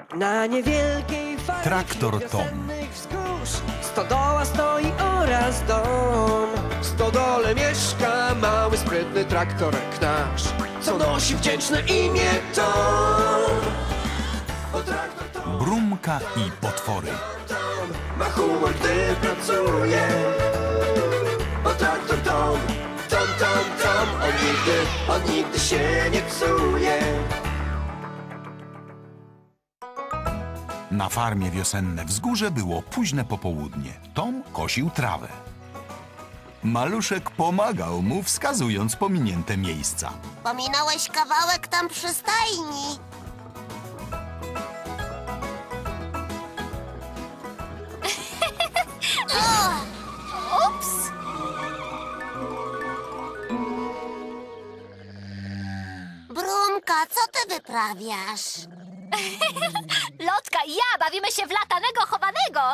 Na niewielkiej fali Traktor Tom. wiosennych wzgórz stodoła stoi oraz dom. W stodole mieszka mały, sprytny traktorek nasz, co nosi wdzięczne imię Tom. O traktor Tom, Brumka i potwory. Tom ma humor, gdy pracuje. O traktor Tom, Tom, Tom, Tom, on nigdy się nie psuje. Na farmie Wiosenne Wzgórze było późne popołudnie. Tom kosił trawę. Maluszek pomagał mu, wskazując pominięte miejsca. Pominąłeś kawałek tam przy stajni. Ups! Brumka, co ty wyprawiasz? Lotka i ja bawimy się w latanego chowanego.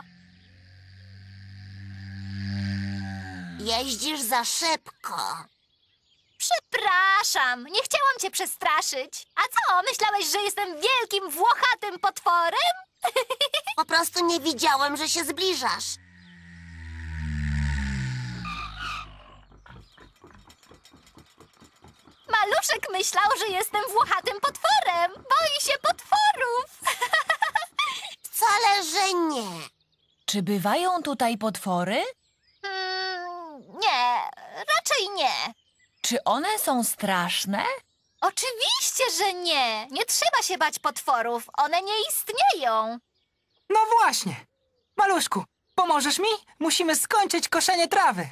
Jeździsz za szybko. Przepraszam, nie chciałam cię przestraszyć. A co, myślałeś, że jestem wielkim, włochatym potworem? Po prostu nie widziałem, że się zbliżasz. Maluszek myślał, że jestem włochatym potworem. Boi się potworów. Wcale, że nie. Czy bywają tutaj potwory? Nie, raczej nie. Czy one są straszne? Oczywiście, że nie. Nie trzeba się bać potworów. One nie istnieją. No właśnie. Maluszku, pomożesz mi? Musimy skończyć koszenie trawy.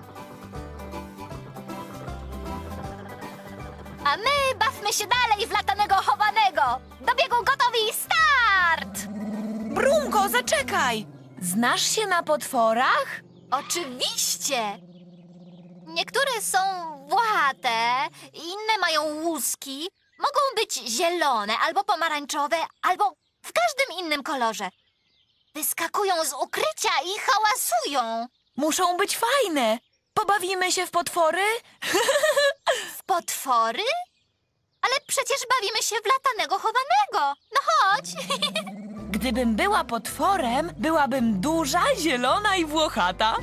A my bawmy się dalej w latanego chowanego. Do biegu gotowi, start! Brumko, zaczekaj! Znasz się na potworach? Oczywiście. Niektóre są włochate, inne mają łuski. Mogą być zielone, albo pomarańczowe, albo w każdym innym kolorze. Wyskakują z ukrycia i hałasują. Muszą być fajne. Pobawimy się w potwory? W potwory? Ale przecież bawimy się w latanego chowanego. No chodź. Gdybym była potworem, byłabym duża, zielona i włochata.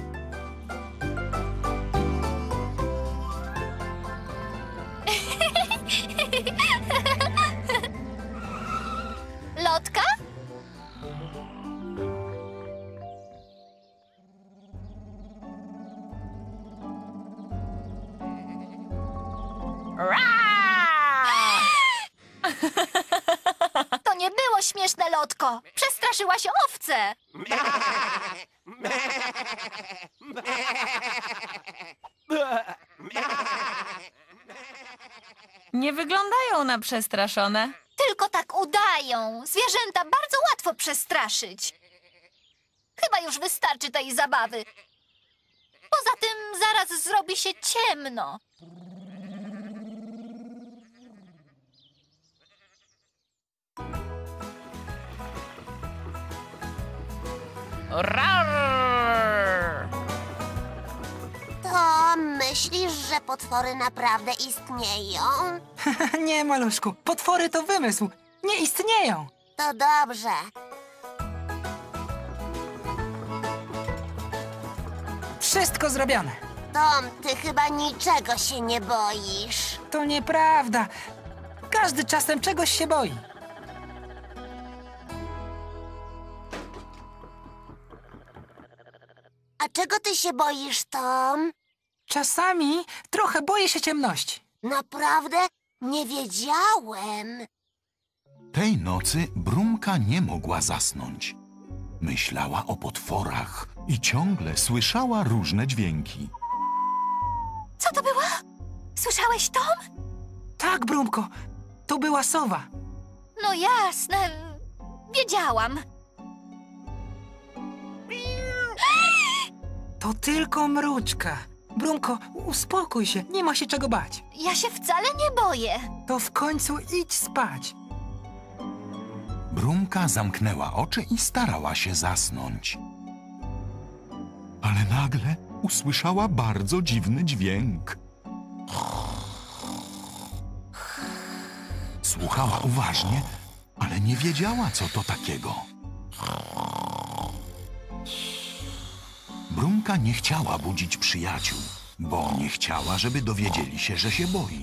Lotka? To nie było śmieszne, Lotko. Przestraszyłaś owce. Nie wyglądają na przestraszone. Tylko tak udają. Zwierzęta bardzo łatwo przestraszyć. Chyba już wystarczy tej zabawy. Poza tym zaraz zrobi się ciemno. Rar! To myślisz, że potwory naprawdę istnieją? Nie, maluszku, potwory to wymysł. Nie istnieją. To dobrze. Wszystko zrobione. Tom, ty chyba niczego się nie boisz. To nieprawda. Każdy czasem czegoś się boi. A czego ty się boisz, Tom? Czasami trochę boję się ciemności. Naprawdę? Nie wiedziałem. Tej nocy Brumka nie mogła zasnąć. Myślała o potworach i ciągle słyszała różne dźwięki. Co to było? Słyszałeś, Tom? Tak, Brumko, to była sowa. No jasne. Wiedziałam. To tylko mruczka. Brumko, uspokój się, nie ma się czego bać. Ja się wcale nie boję. To w końcu idź spać. Brumka zamknęła oczy i starała się zasnąć. Ale nagle usłyszała bardzo dziwny dźwięk. Słuchała uważnie ale nie wiedziała, co to takiego. Brumka nie chciała budzić przyjaciół, bo nie chciała, żeby dowiedzieli się, że się boi.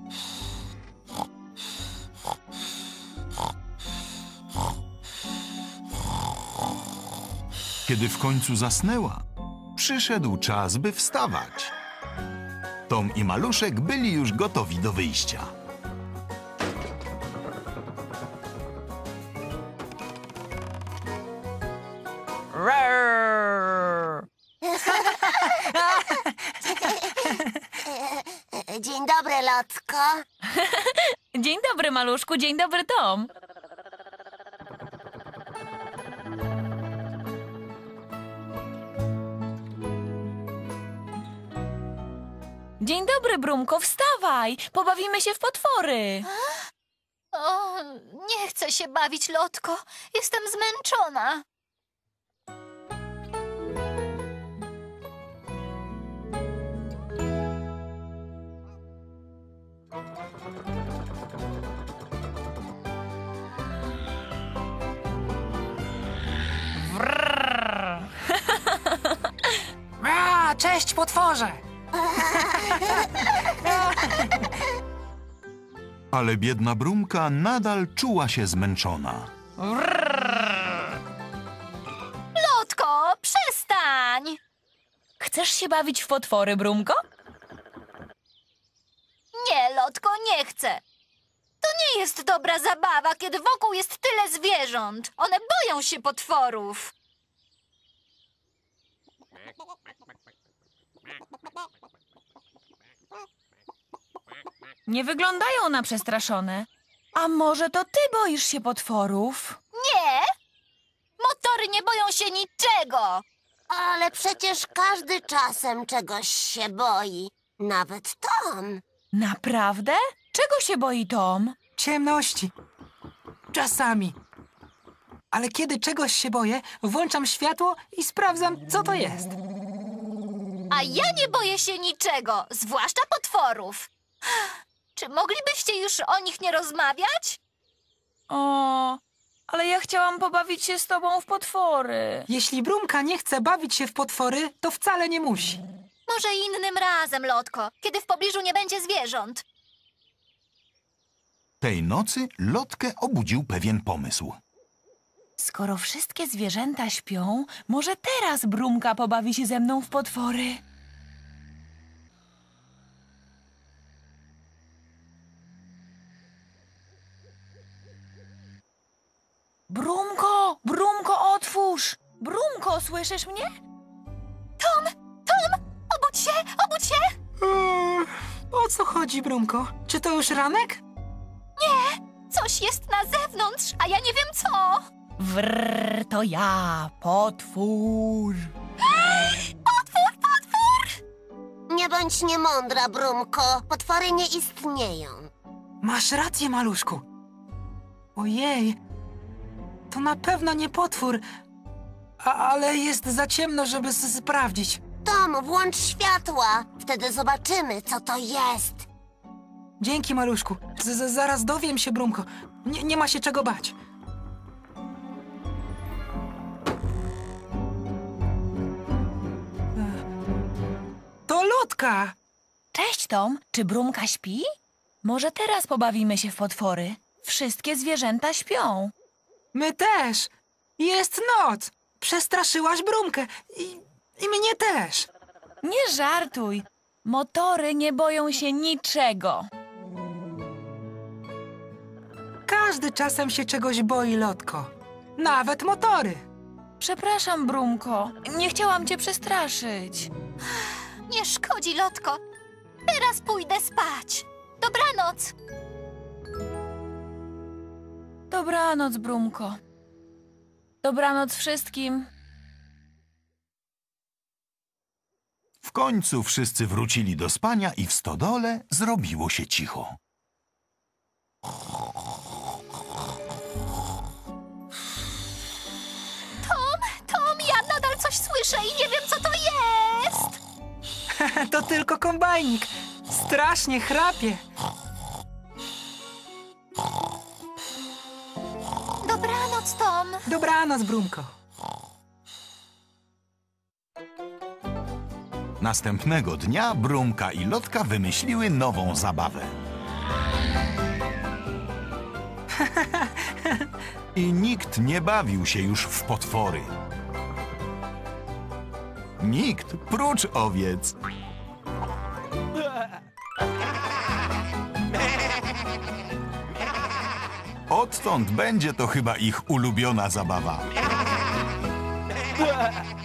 Kiedy w końcu zasnęła, przyszedł czas, by wstawać. Tom i Maluszek byli już gotowi do wyjścia. Rrrr. Dzień dobry, Lotko. Dzień dobry, Maluszku, dzień dobry, Tom. Dzień dobry, Brumko, wstawaj! Pobawimy się w potwory! O, nie chcę się bawić, Lotko. Jestem zmęczona. Wrrr. Cześć, potworze! Ale biedna Brumka nadal czuła się zmęczona. Lotko, przestań! Chcesz się bawić w potwory, Brumko? Nie, Lotko, nie chcę. To nie jest dobra zabawa, kiedy wokół jest tyle zwierząt. One boją się potworów. Nie wyglądają na przestraszone. A może to ty boisz się potworów? Nie! Motory nie boją się niczego. Ale przecież każdy czasem czegoś się boi. Nawet Tom. Naprawdę? Czego się boi Tom? Ciemności. Czasami. Ale kiedy czegoś się boję, włączam światło i sprawdzam, co to jest. A ja nie boję się niczego, zwłaszcza potworów. Czy moglibyście już o nich nie rozmawiać? O, ale ja chciałam pobawić się z tobą w potwory. Jeśli Brumka nie chce bawić się w potwory, to wcale nie musi. Może innym razem, Lotko, kiedy w pobliżu nie będzie zwierząt. Tej nocy Lotkę obudził pewien pomysł. Skoro wszystkie zwierzęta śpią, może teraz Brumka pobawi się ze mną w potwory. Brumko, Brumko, otwórz! Brumko, słyszysz mnie? Tom, obudź się, obudź się! O co chodzi, Brumko? Czy to już ranek? Coś jest na zewnątrz, a ja nie wiem co. Wrrr, to ja, potwór. Nie bądź niemądra, Brumko. Potwory nie istnieją. Masz rację, maluszku. Ojej, to na pewno nie potwór, ale jest za ciemno, żeby sprawdzić. Tom, włącz światła. Wtedy zobaczymy, co to jest. Dzięki, maluszku. Zaraz dowiem się, Brumko. Nie ma się czego bać. To Lotka! Cześć, Tom. Czy Brumka śpi? Może teraz pobawimy się w potwory. Wszystkie zwierzęta śpią. My też. Jest noc. Przestraszyłaś Brumkę. I mnie też. Nie żartuj. Motory nie boją się niczego. Każdy czasem się czegoś boi, Lotko. Nawet motory. Przepraszam, Brumko. Nie chciałam cię przestraszyć. Nie szkodzi, Lotko. Teraz pójdę spać. Dobranoc. Dobranoc, Brumko. Dobranoc wszystkim. W końcu wszyscy wrócili do spania i w stodole zrobiło się cicho. Tom, ja nadal coś słyszę i nie wiem, co to jest. To tylko kombajnik. Strasznie chrapie. Dobranoc, Tom. Dobranoc, Brumko. Następnego dnia Brumka i Lotka wymyśliły nową zabawę. I nikt nie bawił się już w potwory. Nikt, prócz owiec. Odtąd będzie to chyba ich ulubiona zabawa.